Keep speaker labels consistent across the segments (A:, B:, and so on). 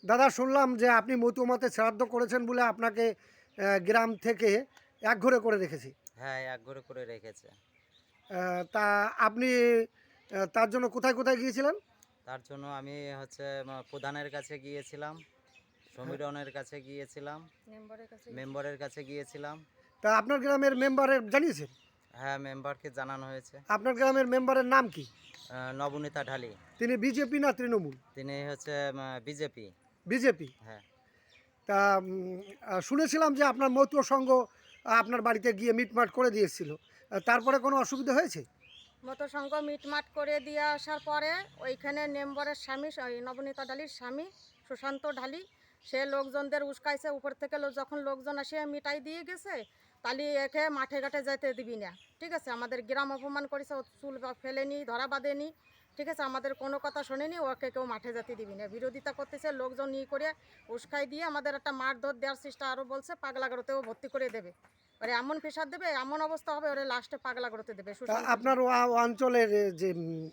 A: দাদা, শুনলাম যে আপনি মতুয়ামাতে শ্রাদ্ধ করেছেন বলে আপনাকে গ্রাম থেকে একঘরে করে রেখেছি।
B: হ্যাঁ, একঘরে করে রেখেছে।
A: তা আপনি তার জন্য কোথায় কোথায় গিয়েছিলেন?
B: তার জন্য আমি প্রধানের কাছে গিয়েছিলাম,
A: হ্যাঁ।
B: সমীরনের কাছে গিয়েছিলাম, মেম্বারের কাছে গিয়েছিলাম।
A: তা আপনার গ্রামের মেম্বারের জানিয়েছেন?
B: হ্যাঁ, মেম্বারকে জানানো হয়েছে।
A: আপনার গ্রামের মেম্বারের নাম কি?
B: নবনীতা ঢালি।
A: তিনি বিজেপি না তৃণমূল?
B: তিনি বিজেপি।
A: বিজেপি।
B: হ্যাঁ।
A: তা শুনেছিলাম যে আপনার মতুয়া সংঘ আপনার বাড়িতে গিয়ে মিটমাট করে দিয়েছিল। তারপরে কোনো অসুবিধা হয়েছে?
C: মতো সঙ্গ মিটমাট করে দিয়ে আসার পরে ওইখানে মেম্বারের স্বামী ওই নবনীতা ঢালির স্বামী সুশান্ত ঢালি সে লোকজনদের উস্কাইছে উপর থেকে যখন লোকজন আসে মিটাই দিয়ে গেছে তাহলে একে মাঠে ঘাটে যেতে দিবি না। ঠিক আছে, আমাদের গ্রাম অপমান করেছে, ও চুল ফেলেনি, ধরা বাঁধেনি। ঠিক আছে, আমাদের কোনো কথা শোনেনি, ওকে কেউ মাঠে যেতে দিবি না, বিরোধিতা করতেছে। লোকজন ই করে উস্কাই দিয়ে আমাদের একটা মারধর দেওয়ার চেষ্টা আরও বলছে, পাগলাগারোতেও ভর্তি করে দেবে, ওরে এমন প্রেশার দেবে, এমন অবস্থা হবে, ওরে লাস্টে পাগলাগারোতে দেবে।
A: তা আপনার অঞ্চলের যে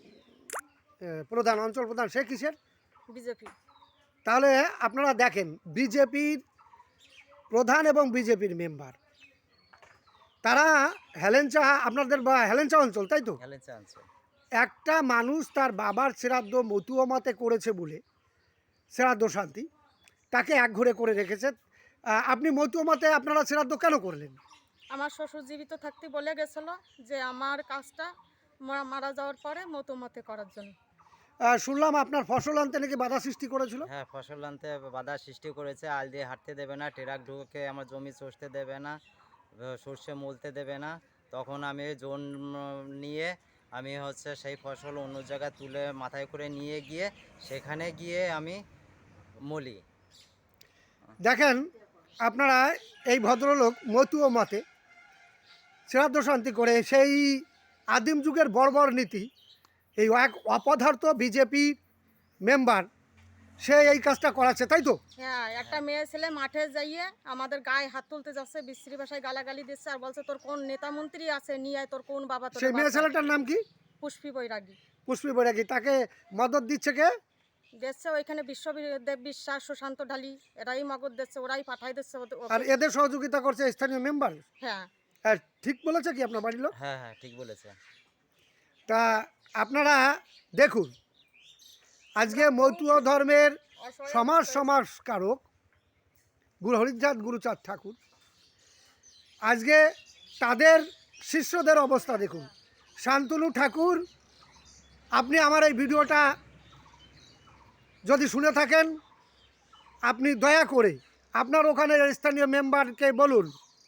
A: প্রধান অঞ্চল প্রধান সে কিসের?
C: বিজেপি।
A: তাহলে আপনারা দেখেন, বিজেপির প্রধান এবং বিজেপির মেম্বার তারা হেলেঞ্চা, আপনাদের বা হেলেঞ্চা অঞ্চল, তাই তো?
B: হেলেঞ্চা অঞ্চল।
A: একটা মানুষ তার বাবার শ্রাদ্ধ মতুয়ামাতে করেছে বলে শ্রাদ্ধ শান্তি তাকে একঘরে করে রেখেছে। আপনি মতুয়ামাতে আপনারা শ্রাদ্ধ কেন করলেন?
C: আমার শ্বশুর জীবিত থাকতে বলে গেছিল যে আমার কাজটা মারা যাওয়ার পরে মতো করার জন্য।
A: শুনলাম আপনার ফসল আনতে নাকি বাধা সৃষ্টি করেছিল।
B: হ্যাঁ, ফসল আনতে বাধা সৃষ্টি করেছে, আল দিয়ে হাঁটতে দেবে না, ট্রাক ঢুকে আমার জমি চষতে দেবে না, সর্ষে মলতে দেবে না। তখন আমি জোন নিয়ে আমি সেই ফসল অন্য জায়গায় তুলে মাথায় করে নিয়ে গিয়ে সেখানে গিয়ে আমি মলি।
A: দেখেন, আপনারা এই ভদ্রলোক মতুয়ামাতে শ্রাদ্ধ শান্তি করে সেই আদিম যুগের বর্বর নীতি, এই এক অপদার্থ বিজেপি মেম্বার সে এই কাজটা করাচ্ছে, তাই তো?
C: হ্যাঁ, একটা মেয়ে ছেলে মাঠে যাইয়ে আমাদের গায়ে হাত তুলতে যাচ্ছে, বিশ্রী ভাষায় গালাগালি দিচ্ছে, আর বলছে তোর কোন নেতা মন্ত্রী আছে নিয়ে আয়, তোর কোন বাবা তোর
A: সেই মেয়ে ছেলেটার নাম কি?
C: পুষ্পি বৈরাগী।
A: পুষ্পী বৈরাগী। তাকে মদত দিচ্ছে কে?
C: দেখছে ওইখানে বিশ্বদেব বিশ্বাস, সুশান্ত ঢালি, এরাই মগজ দিচ্ছে, ওরাই পাঠাই দিচ্ছে
A: আর এদের সহযোগিতা করছে স্থানীয় মেম্বার।
C: হ্যাঁ।
A: হ্যাঁ, ঠিক বলেছে কি আপনার বাড়ির লোক?
B: হ্যাঁ, হ্যাঁ, ঠিক বলেছে।
A: তা আপনারা দেখুন, আজকে মতুয়া ধর্মের সমাজকারক গুরু হরিচাঁদ গুরুচাঁদ ঠাকুর, আজকে তাদের শিষ্যদের অবস্থা দেখুন। শান্তনু ঠাকুর, আপনি আমার এই ভিডিওটা যদি শুনে থাকেন, আপনি দয়া করে আপনার ওখানে স্থানীয় মেম্বারকে বলুন,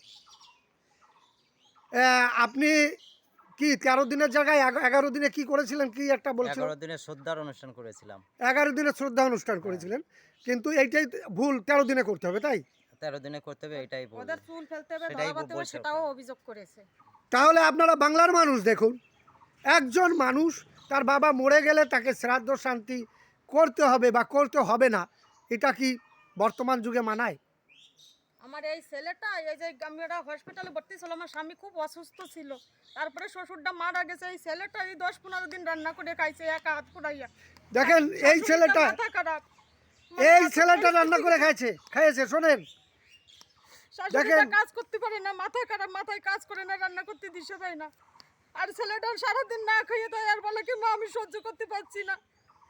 A: আপনি কি 13 দিনের জায়গায় 11 দিনে কি করেছিলেন, কি একটা বলছিলেন?
B: 11 দিনের শ্রদ্ধার অনুষ্ঠান করেছিলাম।
A: 11 দিনের শ্রদ্ধা অনুষ্ঠান করেছিলেন, কিন্তু এইটাই ভুল, 13 দিনে করতে হবে, তাই?
B: 13 দিনে করতে হবে, এটাই ভুল।
C: ওদের চুল ফেলতে হবে,
B: সেটাই
C: ধরা বাঁধতে হবে,
B: বলছে
C: সেটাও
B: ওরা।
C: অভিযোগ করেছে।
A: তাহলে আপনারা বাংলার মানুষ দেখুন, একজন মানুষ তার বাবা মরে গেলে তাকে শ্রাদ্ধ শান্তি করতে হবে বা করতে হবে না, এটা কি বর্তমান যুগে মানায়?
C: আমার এই ছেলেটা এই যে আমরা হসপিটালে ভর্তি ছিল, আমার স্বামী খুব অসুস্থ ছিল, তারপরে শ্বশুরটা মারা গেছে, এই ছেলেটা এই 10-15 দিন রান্না করে খাইছে একা হাত পুড়াইয়া।
A: দেখেন, এই ছেলেটা
C: মাথা খারাপ,
A: এই ছেলেটা রান্না করে খাইয়েছে। শোনেন,
C: শাশুড়িটা কাজ করতে পারে না, মাথা খারাপ, মাথায় কাজ করে না, রান্না করতে দিশে দেয় না, আর ছেলেটা সারাদিন না খাইয়ে দেয়, আর বলে কি মা আমি সহ্য করতে পারছি না।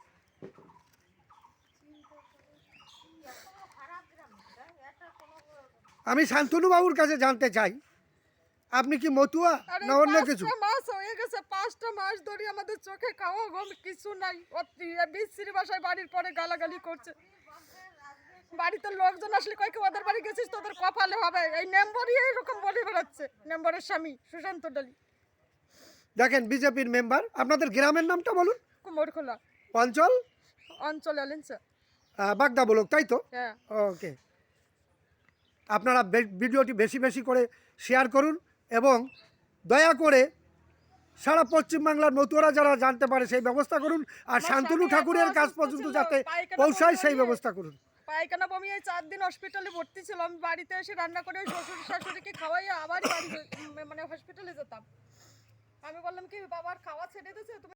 A: আমি শান্তনু বাবুর কাছে জানতে চাই, আপনি কি মতুয়া না অন্য কিছু?
C: 5টা মাস হয়ে গেছে, 5টা মাস ধরে আমাদের চোখে খাওয়া ঘুম কিছু নাই। বিশ্রী ভাষায় বাড়ির পরে গালাগালি করছে, বাড়িতে লোকজন আসলে কয় কি ওদের বাড়ি গেছিস তোদের কপালে হবে, এই মেম্বারই এরকম বলে বেড়াচ্ছে, মেম্বারের স্বামী সুশান্ত ডালি।
A: দেখেন, বিজেপির মেম্বার। আপনাদের গ্রামের নামটা বলুন।
C: কুমোরখোলা
A: অঞ্চল?
C: অঞ্চল এলেনছে।
A: বাগদা বলক, তাই তো?
C: হ্যাঁ।
A: ওকে। আপনারা ভিডিওটি বেশি বেশি করে শেয়ার করুন এবং দয়া করে সারা পশ্চিমবাংলার মতুয়ারা যারা জানতে পারে সেই ব্যবস্থা করুন, আর শান্তনু ঠাকুরের কাজ পর্যন্ত যাতে পৌঁছায় সেই ব্যবস্থা করুন।
C: পায়খানা বমি, এই 4 দিন হসপিটালে ভর্তি ছিল, আমি বাড়িতে এসে রান্না করে শ্বশুর শাশুড়িকে খাওয়াইয়া আবার বাড়ি হসপিটালে যেতাম। আমি বললাম কি বাবার খাওয়া ছেড়ে দিয়েছে তুমি।